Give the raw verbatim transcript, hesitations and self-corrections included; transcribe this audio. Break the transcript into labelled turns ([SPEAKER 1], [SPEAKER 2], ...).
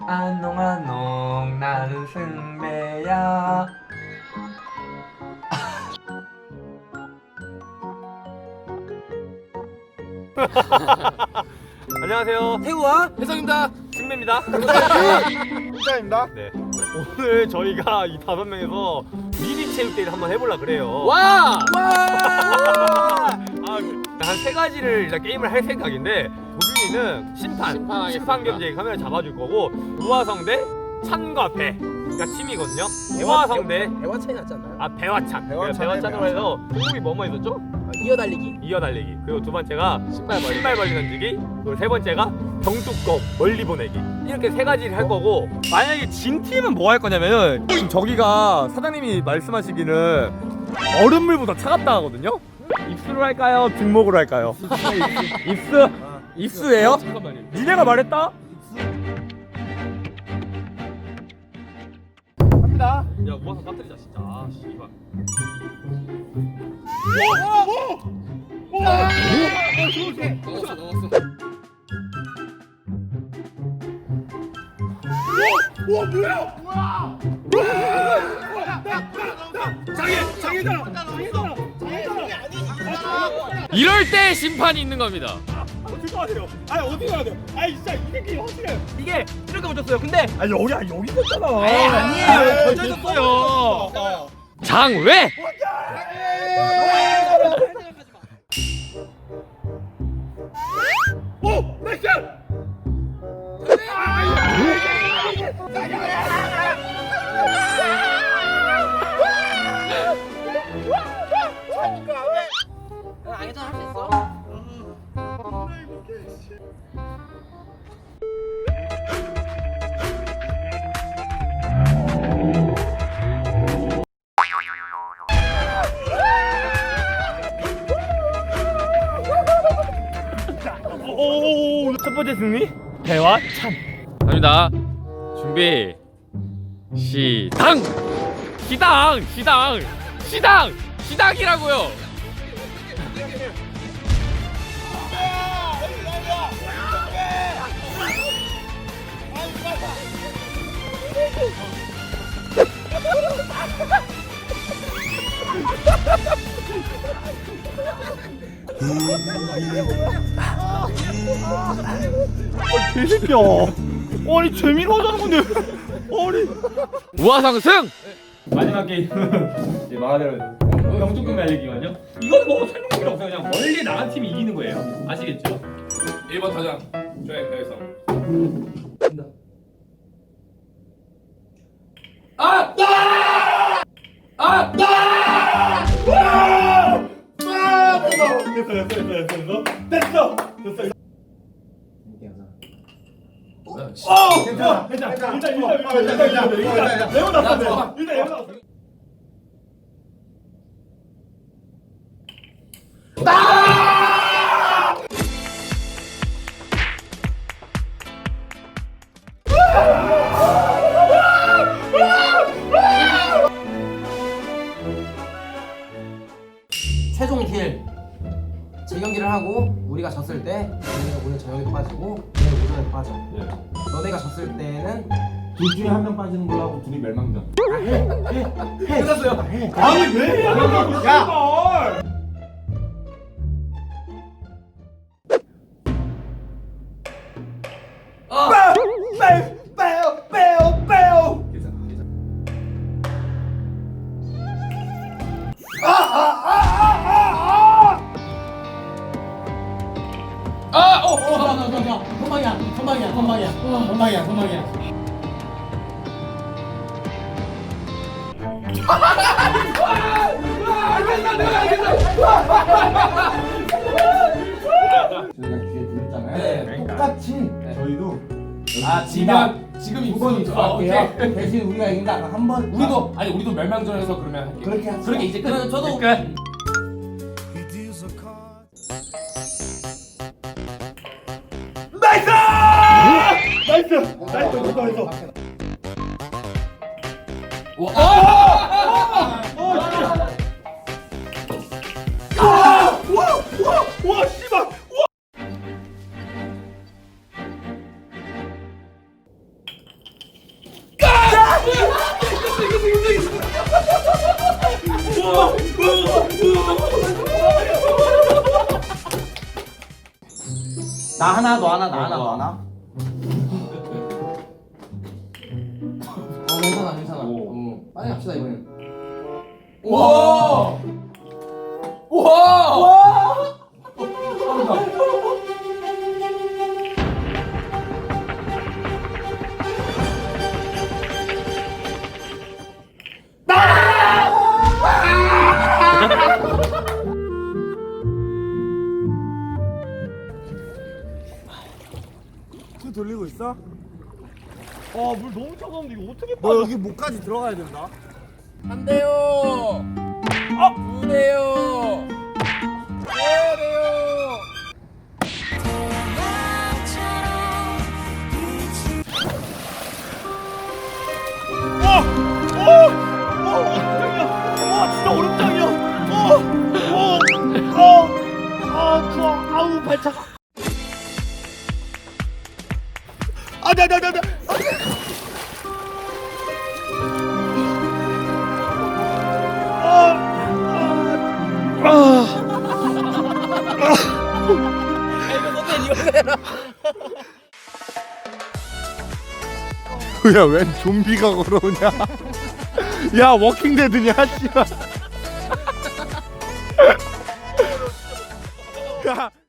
[SPEAKER 1] 안농안농 나는 승배야. 안녕하세요.
[SPEAKER 2] 태우와 혜성입니다.
[SPEAKER 1] 승배입니다.
[SPEAKER 3] 혼자입니다.
[SPEAKER 1] 네. 오늘 저희가 이 다섯 명에서 미리 체육대회를 한번 해보려 그래요.
[SPEAKER 2] 와!
[SPEAKER 1] 와! 한 세 가지를 일단 게임을 할 생각인데 도준이는 심판,
[SPEAKER 2] 심판하겠습니다.
[SPEAKER 1] 심판 겸제 카메라 잡아줄 거고 우화성 대 찬과 배. 그러니까 팀이거든요. 우화성 대
[SPEAKER 2] 대화 차이 났지 않나요?
[SPEAKER 1] 아 배화찬.
[SPEAKER 3] 배화찬,
[SPEAKER 1] 배화찬으로 해서 종목이 뭐뭐 있었죠?
[SPEAKER 2] 아, 이어달리기.
[SPEAKER 1] 이어달리기. 그리고 두 번째가
[SPEAKER 2] 신발 벌리.
[SPEAKER 1] 신발 벌리 던지기. 그리고 세 번째가 병뚜껑 멀리 보내기. 이렇게 세 가지를 할 거고 만약에 진 팀은 뭐 할 거냐면은 지금 저기가 사장님이 말씀하시기는 얼음물보다 차갑다 하거든요. 입수로 할까요? 뒷목으로 할까요? 입수. 입수예요?
[SPEAKER 2] 잠깐만요.
[SPEAKER 1] 니네가 말했다?
[SPEAKER 3] 갑니다.
[SPEAKER 1] 야 우와서 빠뜨리자 진짜. 아 씨발.
[SPEAKER 2] 넣었어, 넣었어.
[SPEAKER 3] 와 뭐야? 와! 장애 장애잖아. 장애잖아. 장애잖아.
[SPEAKER 2] 이럴 때 심판이 있는 겁니다.
[SPEAKER 3] 어떻게 해야 돼요? 아니 어떻게 해야 돼요? 아니 진짜 이 새끼 확실해.
[SPEAKER 1] 이게 이렇게 붙였어요. 근데
[SPEAKER 3] 아니 여기 아니 여기 있었잖아.
[SPEAKER 1] 에이, 아니에요. 던져줬어요.
[SPEAKER 2] 장외!
[SPEAKER 3] 오! 나이스!
[SPEAKER 2] 아니잖아, 할 수 있어.
[SPEAKER 1] 오, 첫 번째 승리 배화찬.
[SPEAKER 2] 갑니다. 준비. 시당! 시당! 시당! 시당! 시당이라고요!
[SPEAKER 3] 아, 개새끼야. 아니 재미로 하자는 건데. 아니.
[SPEAKER 2] 우화상 승!
[SPEAKER 1] 마지막 게임은 이제 말하대로 영주금 날리기거든요. 이건 뭐 설명 필요 없어요. 그냥 멀리 나간 팀이 이기는 거예요. 아시겠죠?
[SPEAKER 4] 일 번 타자 조혜성.
[SPEAKER 1] 아! 아!
[SPEAKER 3] 됐어 됐어 됐어 됐어 됐어 됐어. 어! 괜찮아 괜찮아 일단 일단 일단 일단 일단 일단 레몬 났어. 일단 레몬 났어.
[SPEAKER 5] 최종 딜 재경기를 하고 우리가 졌을 때 너네가 오늘 저녁에도 빠지고 오늘 오전에도 빠져. 너네가 졌을 때는
[SPEAKER 6] 둘 중에 한 명 빠지는 걸로 하고 둘이 멸망전.
[SPEAKER 3] 끝났어요. 아니 왜 해야 되냐고. 야. 빼! 빼요 빼요 빼요.
[SPEAKER 2] 아! 어!
[SPEAKER 6] 선방이야, 선방이야, 선방이야, 선방이야, 선방이야. 저희가 뒤에 둘 있잖아요. 똑같이 저희도
[SPEAKER 4] 아 지면 지금
[SPEAKER 6] 두번
[SPEAKER 4] 입수. 아, 오케이.
[SPEAKER 6] 입수할게요. 대신 우리가 이긴다. 한 번.
[SPEAKER 4] 우리도 아니 우리도 멸망전에서 그러면 할게.
[SPEAKER 6] 그렇게 하자.
[SPEAKER 4] 그렇게 이제 끝.
[SPEAKER 5] 저도
[SPEAKER 1] 끝.
[SPEAKER 3] 나이스! 나이스! 나이스! 됐어 됐어.
[SPEAKER 4] 와.
[SPEAKER 3] 아! 어, 진짜. 와! 와! 와! 와! 씨발! 와!
[SPEAKER 6] 나 하나 너 하나 나 하나 너 하나.
[SPEAKER 5] 어 괜찮아 괜찮아. 어, 빨리 갑시다 이번엔.
[SPEAKER 4] 우와! 우와!
[SPEAKER 3] 그 돌리고 있어?
[SPEAKER 1] 아물 너무 차가운데 이거 어떻게
[SPEAKER 3] 너 여기 목까지 들어가야 된다.
[SPEAKER 2] 한 대요. 두 대요. 세 대요.
[SPEAKER 3] 와 진짜 얼음장이야. 어어어아 추워. 아우 발 차가. 아나 나 나 나. 야, 웬 좀비가 걸어오냐? 야, 워킹데드냐, 씨발.